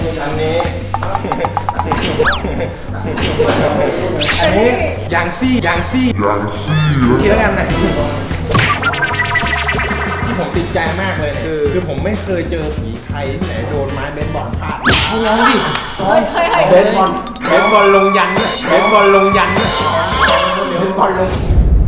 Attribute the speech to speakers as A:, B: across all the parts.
A: อันนี้ยางซี่คิดแล้วกันนะที่ผมติดใจมากเลยคือผมไม่เคยเจอผีไทยที่ไหนโดนไม้เบสบอลฟาดเอาแล้วดิเบสบอลลงยันเบสบอลลงยันเบสบอลลง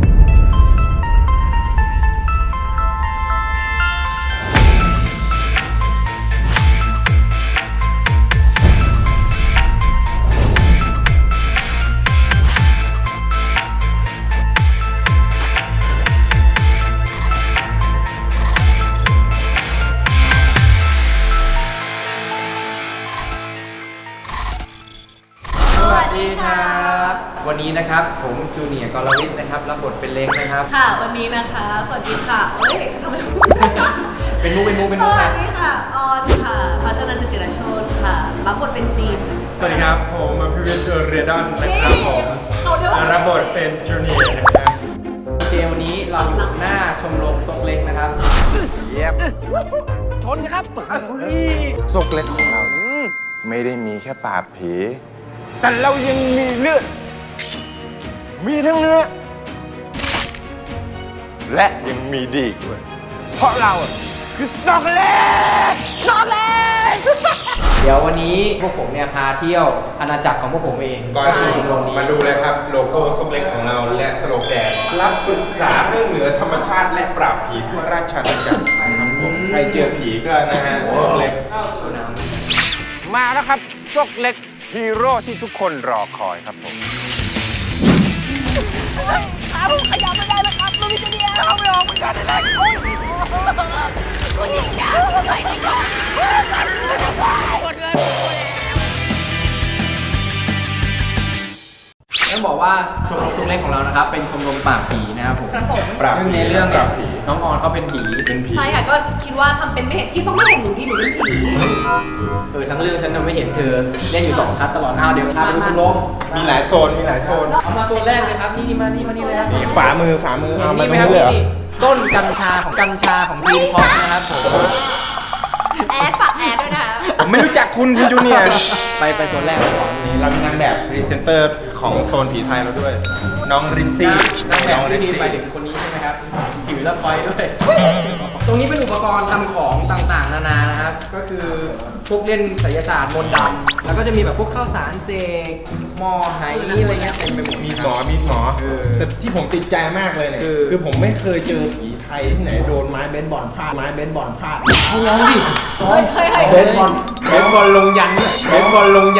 B: วันนี้นะครับผมจูเนียร์กรวิทย์นะครับรับบทเป็นเล็กนะครับ
C: ค่ะวันนี้นะคะสวัสดีค่ะเอ้ยทำไม
B: เป็นมุก
C: สวัสดีค่ะออนค่ะพัชนันท์ จิรโชติค่ะรับบทเป็นจีน
A: สวัสดีครับผมพิวิทย์เรดอนนะครับผมรับบทเป็นจูเนียร์นะครับ
B: โอเควันนี้เราอยู่หน้าชมรมซกเล็กนะครับ
A: เย็บชนครับซกเล็กของเราไม่ได้มีแค่ปราบผีแต่เรายังมีเลือดมีทั้งเนื้อและยังมีดีด้วยเพราะเราคือซอกเล็ก
B: เดี๋ยววันนี้พวกผมเนี่ยพาเที่ยวอาณาจักรของพวกผมเอง
A: ก่อนที่ชมรมนี้มาดูเลยครับโลโก้ซกเล็กของเราและสโลแกนรับปรึกษาเรื่องเหนือธรรมชาติและปราบผีทั่วราชอาณาจักรนะครับผมใครเจอผีก็นะฮะซกเล็กมาแล้วครับซกเล็กฮีโร่ที่ทุกคนรอคอยครับผม
C: ขาผมขยับไม่ได้แล้วครับลูกจูเนียร์เอาไม่ออกเหมือนกันเลยคนนี้จ้าช่วยหน่อยก่อนกดเลย
B: ต้องบอกว่าชมรมซกเล็กของเรานะครับเป็นชมรมปราบผีนะครับผมซึ่งในเรื่องเนี่ยน้องออนเขาเป็นผี
C: ใช่ค่ะก็คิดว่าทำเป็นไม่เห็นที่ต้องไม่เห็นหนูที่หนูเป็นผี
B: ทั้งเรื่องฉันไม่เห็นเธอเล่นอยู่2 คัสตลอดเดี๋ยวพาไปดูชมรม
A: มีหลายโซน
B: เอามาโซนแรกเลยครับนี่มานี่เลยครับ
A: นี่ฝ่ามือเอามา
B: นี่ไหมครับนี่ต้นกัญชาของดีนพอปนะครับผม
C: ฝากแอดด้วยนะคะ
A: ผมไม่รู้จักคุณจูเนียร์
B: ไปโซนแรกก่อน
A: นี่เรามีนางแบบพรีเซนเตอร์ของโซนผีไทยเราด้วยน้องรินซี่
B: น้องรินซี่ไปถึงคนนี้ใช่ไหมครับถือแล้วคอยด้วยตรงนี้เป็นอุปกรณ์ทำของต่างๆนานานะครับก็คือพวกเล่นไสยศาสตร์มนต์ดำแล้วก็จะมีแบบพวกข้าวสารเสกหม้อไหอะไรเงี้ยเต็มไปหมด
A: มีหมอแต่ที่ผมติดใจมากเลยเนี่ยคือผมไม่เคยเจอผีไทยที่ไหนโดนไม้เบสบอลฟาดเอาแล้วดิเบสบอลลงยันเบสบอลลง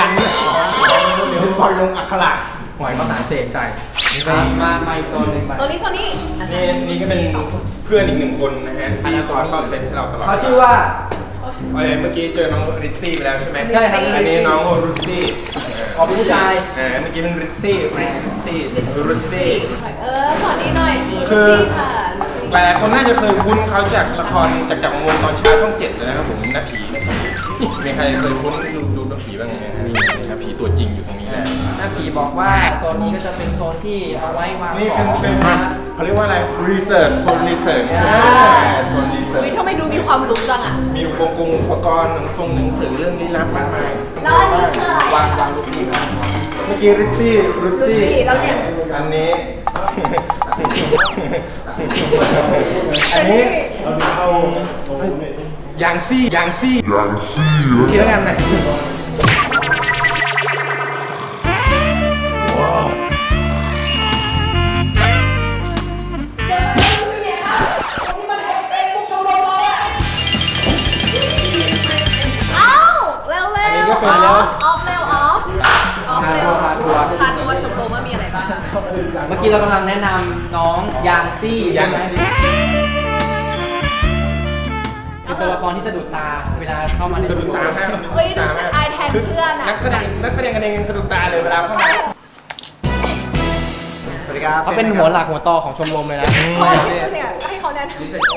A: อักขระ
B: หอยข้าวสารเสกใส่มาอีกโซนนึง
C: ตัวนี้
A: นี่ก็เป็นเพื่อนอีก1 คนนะฮะที่คอยเข้าเซตให้เราตลอด
B: เขาชื่อว่า
A: เมื่อกี้เจอน้องริซซี่ไปแล้วใช่ไหม
B: ใช่ครับ
A: อันนี้น้องริซซี่
B: เป็นผู้ชาย
A: เมื่อกี้เป็นริซซี่
C: ขอนี้หน่อย
A: คือหลายคนน่าจะเคยคุ้นเขาจากละครจากจักรวงศ์ตอนเช้าช่อง 7เลยนะครับผมน้าผีมีใครเคยคุ้นดูน้าผีบ้างไหมนี่น้าผีตัวจริงอยู่ตรงนี้แหละ
B: น้าผีบอกว่าโซนนี้ก็จะเป็นโซนที่เอาไว้วางของ
A: นี่เป็นเขาเรียกว่าอะไรโซนรีเสิร์ชโซนรีเสิร์ช
C: ทำไมดูมีความรู้จังอ่ะ
A: มีอุปกรณ์หนังสือเรื่องลี้ลับมากมาย
C: แล้วอันนี้คืออะไร
B: วางลูกซี่
A: เมื่อกี้ริซซี่
C: แล้วเนี่ย
A: อันนี้เอายางซี่คิดแล้วกันนะ
C: พาตัวชมรมว่ามีอะไรบ้าง
B: เมื่อกี้เรากำลังแนะนำน้องยางซี่ใช่ไหมเป็นตัวละครที่สะดุดตาเวลาเข้ามาใน
A: สะดุดตามาก
C: เฮ้ยรู้สึกอายแทนเพื่อนอะ
A: นักแสดงกันเองสะดุดตาเลยเวลาเข้ามา
B: สวัสดีครับเขาเป็นหัวหลักหัวต่อของชมรมเลยนะ
C: เนี่ยให้เขาแนะนำ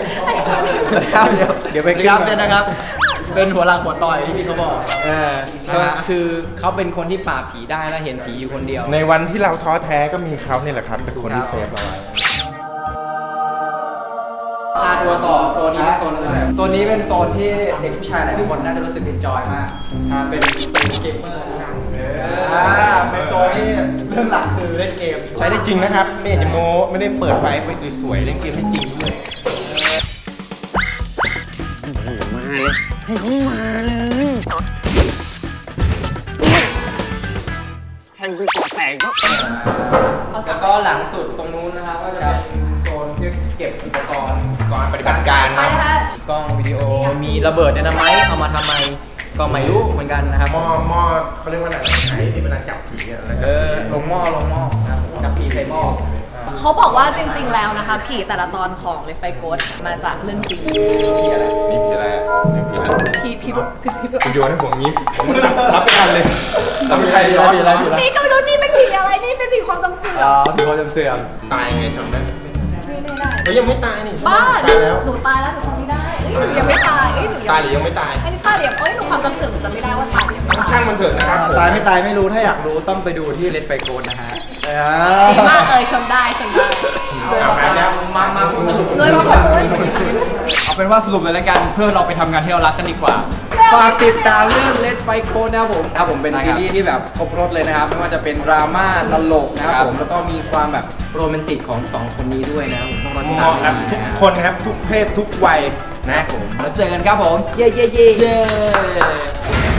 B: เดี๋ยวไปครับเนี่ยนะครับเป็นหัวหลักหัวต่อยที่พี่เขาบอกคือเขาเป็นคนที่ปราบผีได้และเห็นผีอยู่คนเดียว
A: ในวันที่เราท้อแท้ก็มีเขาเนี่ยแหละครับเป็นคนที่เซฟเราไว้
B: ตัวต่อโซนนี้เป็นโซนอะไร
D: โซนนี้เป็นโซนที่เด็กผู้ชายหลายคนน่าจะรู้สึกเอนจอยมาก
B: เป็นเกมเมอร์นะครับ
D: เป็นโซนที่เรื่องหลักคือเล่นเกม
A: ใช้ได้จริงนะครับไม่อยากจะโม้ไม่ได้เปิดไฟไปสวยๆเล่นเกมให้จริงด้วย
B: แล้วก็หลังสุดตรงนู้นนะครับก็จะเป็นโซนที่เก็บอุปกรณ์
A: ก่อนปฏิบัติการ
C: ไป
A: นะ
C: นะคะ
B: กล้องวิดีโอมีระเบิดไดนาไมต์เอามาทำไมก็ไม่รู้เหมือนกันนะครับ
A: หม้อเขาเรียกว่าอะไรไหนที่เวลาจับผีอะแล้ว
B: ลงหม้อนะครับจับผีใส่หม้อ
C: เขาบอกว่าจริงๆแล้วนะคะผีแต่ละตอนของเลฟไฟโกสมาจากเรื่องจริง
A: ผีอะไรนี่ผีอะไรอะนี่ผีอะไร
C: ผีรุษ
A: คุณโยนให้ผมงี้ผมมันรับไม่ทันเลยรับไม่ทันเลย
C: นี่ก็ไม่รู้นี่เป็นผีอะไรนี่เป็นผีความจำเสื่อม
D: ถือว่าเสื่อม
A: ตายไงจำได้
C: ไม่ได้
A: เฮ้ยยังไม่ตายนี่
C: บ้า
A: ตายแล้ว
C: หนูตายแล้วหนูจำไม่ได้เอ้ยหนูยังไม่ตายเอ้ยหนู
A: ตายหรือยังไม่ตาย
C: อันนี้ตายเดี๋ยวเอ้ยหนูความจำเสื่อมหนูจำไม่ได้ว่าตายหรือยังไม่ตาย
A: ช่างมันเถอะนะครับผม
D: ตายไม่ตายไม่รู้ถ้าอยากรู้ต้องไปดูที่เลดไฟโกนนะฮะ
C: ดีมากชมได้ชมได้
A: เอาไปแล้ว
B: มาพูดสรุป
C: เลยมาบอกเลย
D: เอาเป็นว่าสรุปเลยแล้วกันเพื่อเราไปทำงานที่เรารักกันดีกว่า
B: ฝากติดตามเรื่อง Let's Fight Code นะครับผมเป็นซีรีส์ที่แบบครบรถเลยนะครับไม่ว่าจะเป็นดราม่าตลกนะครับผมแล้วก็มีความแบบโรแมนติกของสองคนนี้ด้วยนะครับผมต้องรอติด
A: เห
B: ตาม
A: มาะกับ
B: ให้ดี
A: ทุก
B: นะ
A: คนครับทุกเพศทุกวัยนะ
B: แล้วเจอกันครับผม เย้